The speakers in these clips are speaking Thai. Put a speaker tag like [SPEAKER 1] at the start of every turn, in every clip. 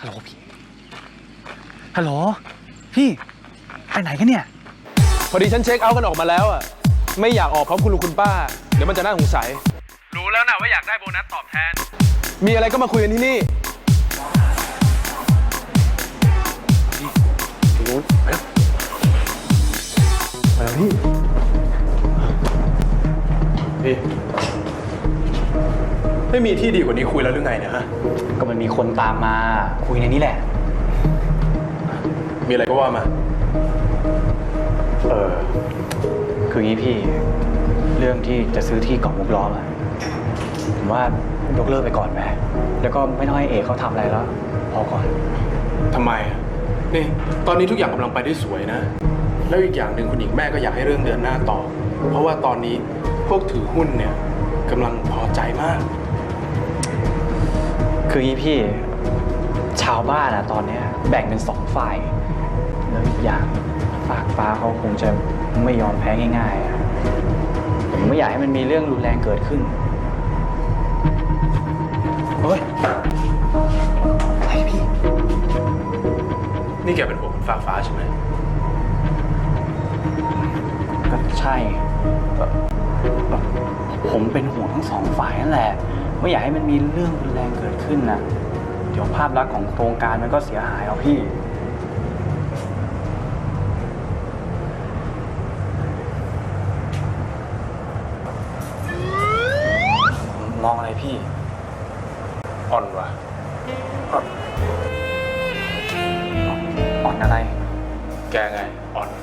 [SPEAKER 1] ฮัลโหลพี่ฮัลโหลพี่ไปไหนกันเนี่ย
[SPEAKER 2] พอดีฉันเช็คเอาท์กันออกมาแล้วอ่ะไม่อยากออกพร้อมคุณลุงคุณป้าเดี๋ยวมันจะน่าสงสัยรู้แล้วนะว่าอยากได้โบนัสตอบแทนมีอะไรก็มาคุยกันที่นี่รู้ไปแล้วพี่ไม่มีที่ดีกว่านี้คุยแล้วหรือไงเนี่ยฮะ
[SPEAKER 1] ก็มันมีคนตามมาคุยในนี้แหละ
[SPEAKER 2] มีอะไรก็ว่ามา
[SPEAKER 1] คืองี้พี่เรื่องที่จะซื้อที่เกาะมุกล้อมอะผมว่ายกเลิกไปก่อนไหมแล้วก็ไม่ต้องให้เอกเขาทำอะไรแล้วพอก่อน
[SPEAKER 2] ทำไมนี่ตอนนี้ทุกอย่างกำลังไปได้สวยนะแล้วอีกอย่างหนึ่งคุณหญิงแม่ก็อยากให้เรื่องเดินหน้าต่อเพราะว่าตอนนี้พวกถือหุ้นเนี่ยกำลังพอใจมาก
[SPEAKER 1] คืองี้พี่ชาวบ้านอะตอนนี้แบ่งเป็น2 ฝ่ายแล้วอีกอย่างฝากฟ้าเขาคงจะไม่ยอมแพ้ง่ายๆผมไม่อยากให้มันมีเรื่องรุนแรงเกิดขึ้นเฮ้ยอะไรพี่
[SPEAKER 2] นี่แกเป็นห่วงฝากฟ้าใช่ไหม
[SPEAKER 1] ก็ใช่ผมเป็นห่วงทั้ง2 ฝ่ายนั่นแหละไม่อยากให้มันมีเรื่องรุนแรงเกิดขึ้นนะเดี๋ยวภาพลักษณ์ของโครงการมันก็เสียหายเอาพี่มองอะไรพี่
[SPEAKER 2] อ่อนวะ
[SPEAKER 1] อ่อนอะไร
[SPEAKER 2] แกไงอ่อน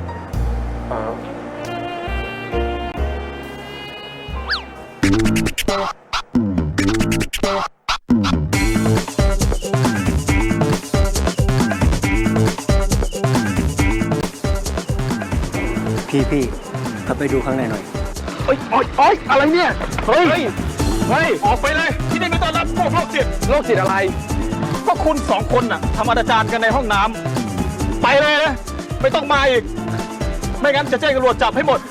[SPEAKER 3] พี่เข้าไปดูข้างในหน่อย
[SPEAKER 2] โอ๊ยอะไรเนี่ยเฮ้ยออกไปเลยที่นี่ไม่ต้อนรับพวกโรคจิตอะไรก็คุณ2 คนน่ะทำอนาจารกันในห้องน้ำไปเลยนะไม่ต้องมาอีกไม่งั้นจะแจ้งตำรวจจับให้หมด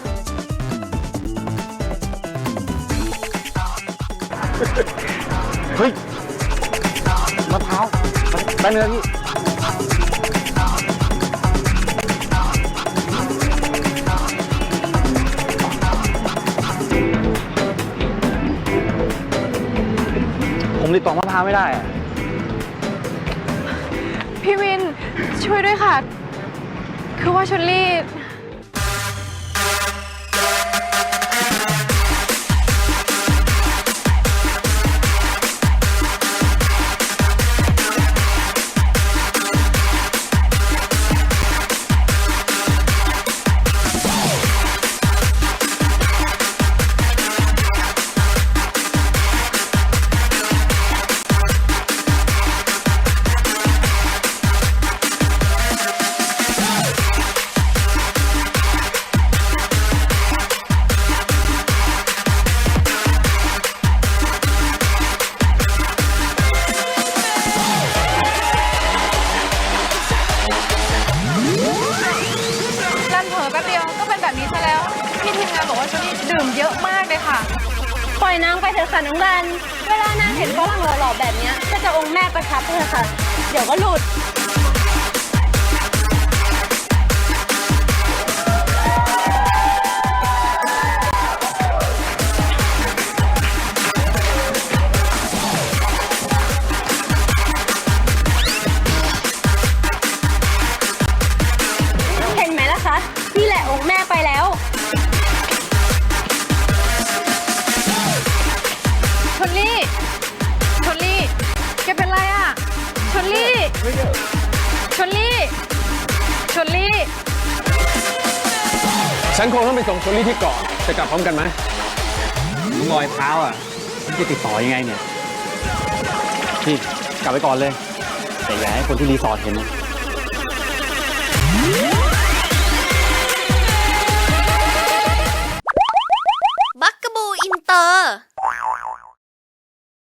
[SPEAKER 1] เฮ้ยมะพร้าวได้เนื้อพี่ผมติดต่อมะพร้าวไม่ได้อะ
[SPEAKER 4] พี่วินช่วยด้วยค่ะคือว่าชลลี่พี่ทีมงานบอกว่าชลลี่ดื่มเยอะมากเลยค่ะ
[SPEAKER 5] ปล่อยนางไปเถอะค่ะน้องรันเวลานางเห็นฝรั่งหล่อๆแบบนี้ก็จะองค์แม่ประทับไปเถอะค่ะเดี๋ยวก็หลุดเห็นไหมล่ะคะนี่แหละองค์แม่ไปแล้ว
[SPEAKER 4] ชลลี่แกเป็นไรอ่ะชลลี่
[SPEAKER 2] ฉันคงต้องไปส่งชลลี่ที่เกาะจะกลับพร้อมกันไหม
[SPEAKER 1] รอยเท้าอ่ะมันจะติดต่อยังไงเนี่ยพี่กลับไปก่อนเลยแต่อย่าให้คนที่รีสอร์ทเห็นนะ